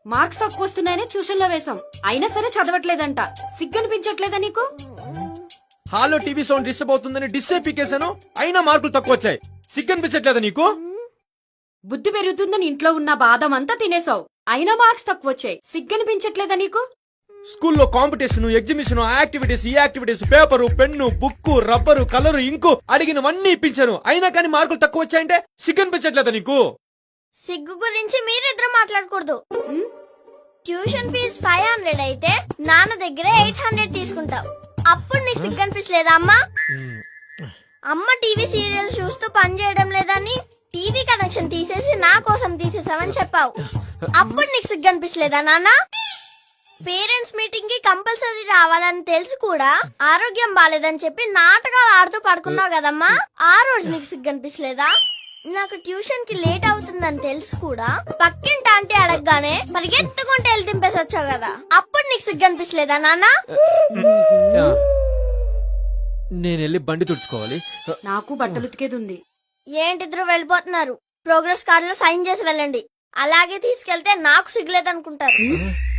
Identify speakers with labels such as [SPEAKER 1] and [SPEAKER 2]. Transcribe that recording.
[SPEAKER 1] Marks తక్కువ వస్తున్నాయని tuition లో వేశాం, అయినా సరే చదవట్లేదంట. సిగ్గనిపించట్లేదా నీకు?
[SPEAKER 2] హాల్లో టీవీ సౌండ్ డిస్టర్బ్ అవుతుందని డిస్సే పీకేశాను, అయినా మార్కులు తక్కువ వచ్చాయి. సిగ్గనిపించట్లేదా నీకు?
[SPEAKER 1] బుద్ధి పెరుగుతుందని ఇంట్లో ఉన్న బాదం అంతా తినేసావు, అయినా మార్క్స్ తక్కువ వచ్చాయి. సిగ్గనిపించట్లేదా నీకు?
[SPEAKER 2] స్కూల్లో కాంపిటీషన్, ఎగ్జిబిషన్, యాక్టివిటీస్, ఈ activities, paper, pen, book, rubber, colour, ink అడిగినవన్నీ ఇప్పించాను, అయినా కానీ మార్కులు తక్కువ వచ్చాయంటే సిగ్గనిపించట్లేదా నీకు?
[SPEAKER 3] సిగ్గు గురించి మీరిద్దరు మాట్లాడకూడదు. ట్యూషన్ ఫీజు 500 అయితే నాన్న దగ్గర 800 తీసుకుంటావు. అప్పుడు నీకు సిగ్గు అనిపించలేదా అమ్మా? అమ్మ టీవీ సీరియల్స్ చూస్తూ పని చేయడం లేదని టీవీ కనెక్షన్ తీసేసి నా కోసం తీసేసావని చెప్పావు. అప్పుడు నీకు సిగ్గు అనిపించలేదా నాన్న? పేరెంట్స్ మీటింగ్ కి కంపల్సరీ రావాలని తెలుసు కూడా ఆరోగ్యం బాలేదని చెప్పి నాటకాలు ఆడుతూ పడుకున్నావు కదమ్మా, ఆ రోజు నీకు సిగ్గు అనిపించలేదా? నాకు ట్యూషన్ కి లేట్ అవుతుందని తెలుసు కూడా పక్కింటి ఆంటీ అడగగానే పరిగెత్తుకుంటే వెళ్ళి దింపేసి వచ్చావు కదా, అప్పుడు నీకు సిగ్గు అనిపించలేదా నాన్న?
[SPEAKER 2] నేను వెళ్ళి బండి తుడుచుకోవాలి.
[SPEAKER 1] నాకు బట్టలు ఉతికేది ఉంది.
[SPEAKER 3] ఏంటిద్దరు వెళ్ళిపోతున్నారు? ప్రోగ్రెస్ కార్డులో సైన్ చేసి వెళ్ళండి, అలాగే తీసుకెళ్తే నాకు సిగ్గులేదనుకుంటారు.